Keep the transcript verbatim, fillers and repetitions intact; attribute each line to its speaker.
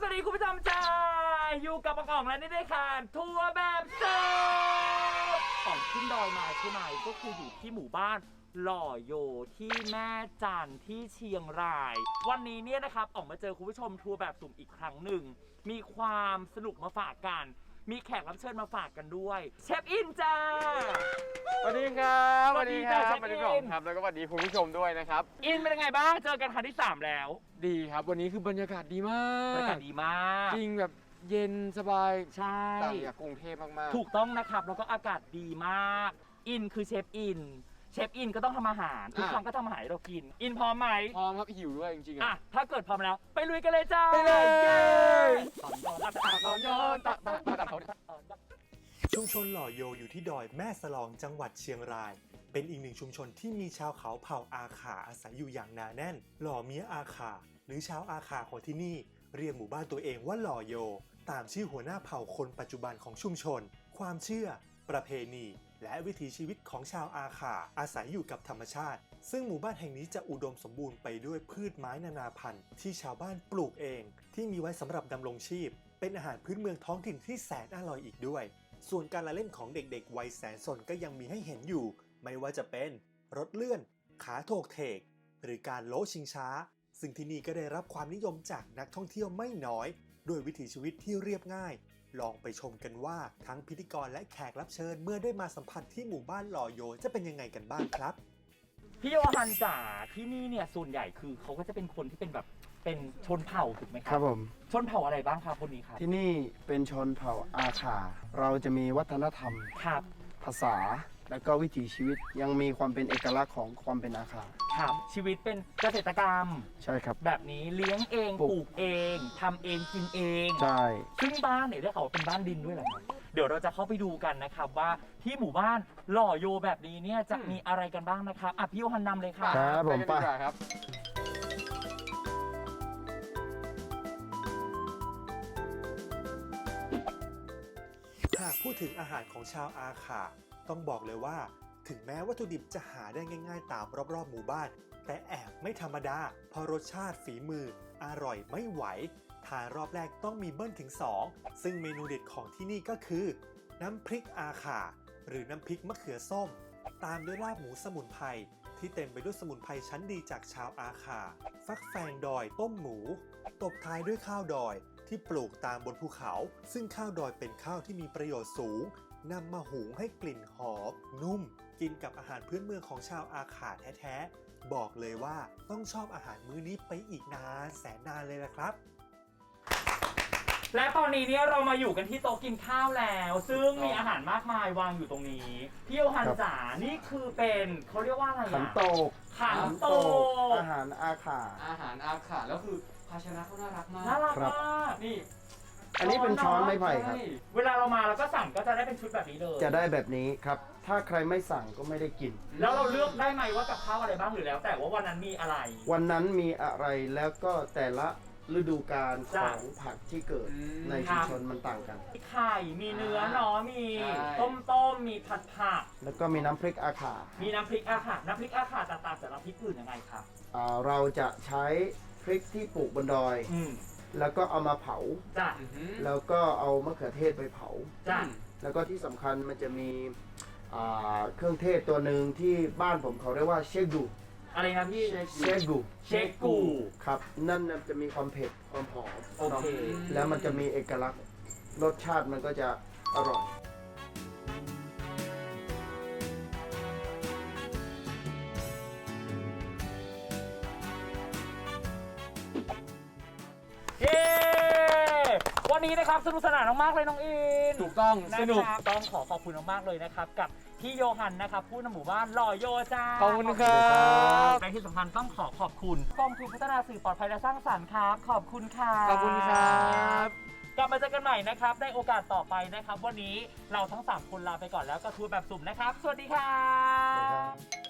Speaker 1: วัสดีคุณผู้ชมจ้าอยู่กับอ่องและนี่ได้ค่ะทัวร์แบบเซิร์ฟอ่องขึ้นดอยมาใช่ไหมก็คืออยู่ที่หมู่บ้านหล่อโยที่แม่จันที่เชียงรายวันนี้เนี่ยนะครับอ่องมาเจอคุณผู้ชมทัวร์แบบสุ่มอีกครั้งหนึ่งมีความสนุกมาฝากกันมีแขกรับเชิญมาฝากกันด้วยเชฟอินจ้า
Speaker 2: สวัสดีครับ
Speaker 1: สวัสดีครับ
Speaker 2: สวัสดีครับแล้วก็สวัสดีคุณผู้ชมด้วยนะครับ
Speaker 1: อินเป็นยังไงบ้างเจอกันครั้งที่สามแล้ว
Speaker 2: ดีครับวันนี้คือบรรยากาศดีมาก
Speaker 1: บรรยากาศดีมาก
Speaker 2: จริงแบบเย็นสบาย
Speaker 1: ใช่
Speaker 2: ต่างจากกรุงเทพมาก
Speaker 1: ๆถูกต้องนะครับแล้วก็อากาศดีมากอินคือเชฟอินเชฟอินก็ต้องทำอาหารทุกครั้งก็ทำอาหารให้เรากินอินพร้อมไหม
Speaker 2: พร้อมครับหิวด้วยจริงๆ
Speaker 1: อ่ะถ้าเกิดพร้อมแล้วไปลุยกันเลยจ้า
Speaker 2: ไปเลย
Speaker 1: ตอนย้อนตอนย้อนตอนย้อน
Speaker 3: ชุมชนหล่อโยอยู่ที่ดอยแม่สลองจังหวัดเชียงรายเป็นอีกหนึ่งชุมชนที่มีชาวเขาเผ่าอาขาอาศัยอยู่อย่างหนาแน่นหล่อเมียอาขาหรือชาวอาขาของที่นี่เรียกหมู่บ้านตัวเองว่าหล่อโยตามชื่อหัวหน้าเผ่าคนปัจจุบันของชุมชนความเชื่อประเพณีและวิถีชีวิตของชาวอาขาอาศัยอยู่กับธรรมชาติซึ่งหมู่บ้านแห่งนี้จะอุดมสมบูรณ์ไปด้วยพืชไม้นานาพันธุ์ที่ชาวบ้านปลูกเองที่มีไว้สำหรับดำรงชีพเป็นอาหารพื้นเมืองท้องถิ่นที่แสนอร่อยอีกด้วยส่วนการละเล่นของเด็กๆวัยแสนสนก็ยังมีให้เห็นอยู่ไม่ว่าจะเป็นรถเลื่อนขาโถกเถกหรือการโล้ชิงช้าซึ่งที่นี่ก็ได้รับความนิยมจากนักท่องเที่ยวไม่น้อยด้วยวิถีชีวิตที่เรียบง่ายลองไปชมกันว่าทั้งพิธีกรและแขกรับเชิญเมื่อได้มาสัมผัสที่หมู่บ้านหล่อโยจะเป็นยังไงกันบ้างครับ
Speaker 1: พี่โยฮันจ๋าที่นี่เนี่ยส่วนใหญ่คือเขาก็จะเป็นคนที่เป็นแบบเป็นชนเผ่าถูกไหมครั
Speaker 4: ครับผม
Speaker 1: ชนเผ่าอะไรบ้างครับคนนี้ครับ
Speaker 4: ที่นี่เป็นชนเผ่าอาขาเราจะมีวัฒนธรรม
Speaker 1: ครับ
Speaker 4: ภาษาและก็วิถีชีวิตยังมีความเป็นเอกลักษณ์ของความเป็นอาขา
Speaker 1: ครับชีวิตเป็นเกษตรกรรม
Speaker 4: ใช่ครับ
Speaker 1: แบบนี้เลี้ยงเองปลูกเองทำเองกินเอง
Speaker 4: ใช่
Speaker 1: ซึ่งบ้านเนี่ยได้ข่าวว่าเป็นบ้านดินด้วยเหรอครับเดี๋ยวเราจะเข้าไปดูกันนะครับว่าที่หมู่บ้านหล่อโยแบบนี้เนี่ยจะมีอะไรกันบ้างนะครับอ่ะพี่โยฮันนำเลยค่ะ
Speaker 4: ครับผมไป
Speaker 2: ครับ
Speaker 3: หากพูดถึงอาหารของชาวอาขาต้องบอกเลยว่าถึงแม้วัตถุดิบจะหาได้ง่ายๆตามรอบๆหมู่บ้านแต่แอบไม่ธรรมดาเพราะรสชาติฝีมืออร่อยไม่ไหวทานรอบแรกต้องมีเบิ้ลถึงสองซึ่งเมนูเด็ดของที่นี่ก็คือน้ำพริกอาขาหรือน้ำพริกมะเขือส้มตามด้วยลาบหมูสมุนไพรที่เต็มไปด้วยสมุนไพรชั้นดีจากชาวอาขาฟักแฟงดอยต้มหมูตบท้ายด้วยข้าวดอยที่ปลูกตามบนภูเขาซึ่งข้าวดอยเป็นข้าวที่มีประโยชน์สูงนำมาหุงให้กลิ่นหอมนุ่มกินกับอาหารพื้นเมืองของชาวอาขาแท้ๆบอกเลยว่าต้องชอบอาหารมื้อนี้ไปอีกนานแสนนานเลยนะครับ
Speaker 1: และตอนนี้เนี่ยเรามาอยู่กันที่โต๊ะกินข้าวแล้ว ซึ่งมีอาหารมากมายวางอยู่ตรงนี้พี่โยฮันจ๋านี่คือเป็นเขาเรียกว่าอะไรอ่ะ
Speaker 4: ขันโตก
Speaker 1: ขันโตก
Speaker 4: อาหารอาขา
Speaker 2: อาหารอาขาแล้วคือภาชนะเขาน่ารักมาก
Speaker 1: น่ารักมาก
Speaker 2: นี่
Speaker 4: อันนี้เป็นช้อนไม้ไผ่ครับ
Speaker 1: เวลาเรามาเราก็สั่งก็จะได้เป็นชุดแบบนี้เลย
Speaker 4: จะได้แบบนี้ครับถ้าใครไม่สั่งก็ไม่ได้กิน
Speaker 1: แล้วเราเลือกได้ไหมว่ากับข้าวอะไรบ้างหรือแล้วแต่ว่าวันนั้นมีอะไร
Speaker 4: วันนั้นมีอะไรแล้วก็แต่ละฤดูกาลของผักที่เกิดในชุมชนมันต่างกัน
Speaker 1: มีไข่มีเนื้อเนาะมีต้มต้มมีผัดผัก
Speaker 4: แล้วก็มีน้ำพริกอาขา
Speaker 1: มีน้ำพริกอาขาน้ำพริกอาขาต่างๆจากน้ำพริกอื่นยังไงครับ
Speaker 4: เราจะใช้พริกที่ปลูกบนดอยแล้วก็เอามาเผา
Speaker 1: จ้ะ
Speaker 4: แล้วก็เอามะเขือเทศไปเผา
Speaker 1: จ้ะ
Speaker 4: แล้วก็ที่สำคัญมันจะมีเครื่องเทศตัวหนึ่งที่บ้านผมเขาเรียกว่าเชกู
Speaker 1: อะไรครับพี่
Speaker 4: เชกู
Speaker 1: เชกู
Speaker 4: ครับนั่นจะมีความเผ็ดความหอม
Speaker 1: โอเค
Speaker 4: แล้วมันจะมีเอกลักษณ์รสชาติมันก็จะอร่อย
Speaker 1: วันนี้นะครับสนุกสนานมากเลยน้องอิน
Speaker 2: ถูกต้องสนุก
Speaker 1: ต้องขอขอบคุณมากๆเลยนะครับกับพี่โยฮันนะครับผู้นำหมู่บ้านหล่อโยจ้า
Speaker 2: ขอบคุณครับ
Speaker 1: และที่สำคัญต้องขอขอบคุณกองทุนพัฒนาสื่อปลอดภัยและสร้างสรรค์ครับขอบคุณค่ะ
Speaker 2: ขอบคุณครับ
Speaker 1: กลับมาเจอกันใหม่นะครับในโอกาสต่อไปนะครับวันนี้เราทั้งสามคนลาไปก่อนแล้วก็ทัวร์แบบสุ่มนะครับสวัสดีครับ